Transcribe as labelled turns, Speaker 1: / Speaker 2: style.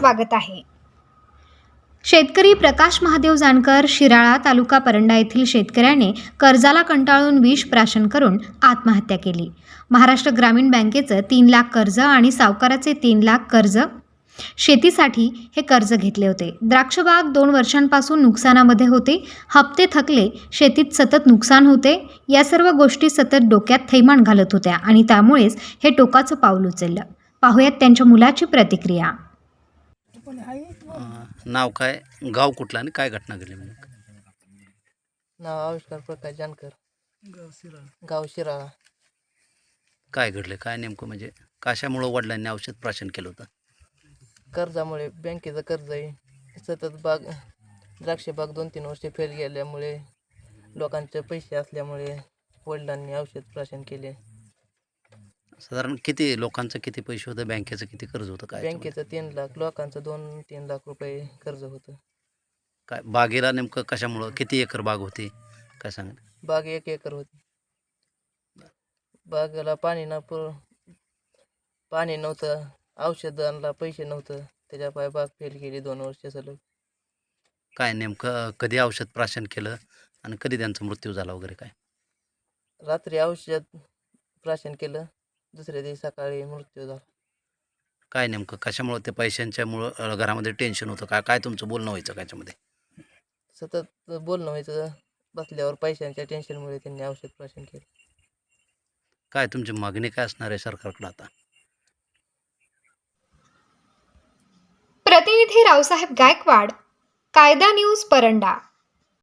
Speaker 1: स्वागत आहे। शेतकरी प्रकाश महादेव जानकर शिराळा तालुका परंडा येथील शेतकऱ्याने कर्जाला कंटाळून विष प्राशन करून आत्महत्या केली। महाराष्ट्र ग्रामीण बँकेचं 3 लाख कर्ज आणि सावकाराचे 3 लाख कर्ज शेतीसाठी हे कर्ज घेतले होते। द्राक्षबाग 2 वर्षांपासून नुकसानामध्ये होते। हप्ते थकले, शेतीत सतत नुकसान होते। या सर्व गोष्टी सतत डोक्यात थैमान घालत होत्या आणि त्यामुळेच हे टोकाचं पाऊल उचललं। पाहूयात त्यांच्या मुलाची प्रतिक्रिया।
Speaker 2: नाव काय, गाव कुठलं आणि काय घटना घडली? मग
Speaker 3: नाव आविष्कार प्रकाश जानकर, गाव शिराळा।
Speaker 2: काय घडलं, काय नेमकं म्हणजे कशामुळं वडिलांनी औषध प्राशन केलं होतं?
Speaker 3: कर्जामुळे, बँकेचं कर्ज आहे, सतत द्राक्ष बाग 2-3 वर्ष फेल गेल्यामुळे, लोकांचे पैसे असल्यामुळे वडिलांनी औषध प्राशन केले।
Speaker 2: साधारण किती लोकांचं किती पैसे होतं, बँकेचं किती कर्ज होतं? काय
Speaker 3: बँकेचं 3 लाख, लोकांचं 2-3 लाख रुपये कर्ज होतं।
Speaker 2: काय बागेला नेमकं कशामुळं, किती एकर बाग होती काय सांगा?
Speaker 3: बाग 1 एकर होती। बागेला पाणी नव्हतं, औषधांना पैसे नव्हतं, त्याच्यापायी बाग फेल गेली 2 वर्ष सलग।
Speaker 2: काय नेमकं कधी औषध प्राशन केलं आणि कधी त्यांचा मृत्यू झाला वगैरे काय?
Speaker 3: रात्री औषध प्राशन केलं, दुसऱ्या दिवशी सकाळी मृत्यू झाला।
Speaker 2: काय नेमकं कशामुळं, ते पैशांच्यामुळं घरामध्ये टेन्शन होतं काय, काय तुमचं बोलणं व्हायचं का याच्यामध्ये?
Speaker 3: सतत बोलणं व्हायचं, बसल्यावर पैशांच्या टेन्शनमुळे त्यांनी औषध प्राशन केलं।
Speaker 2: काय तुमची मागणी काय असणार आहे सरकारकडे आता?
Speaker 1: प्रतिनिधी रावसाहेब गायकवाड, कायदा न्यूज परंडा।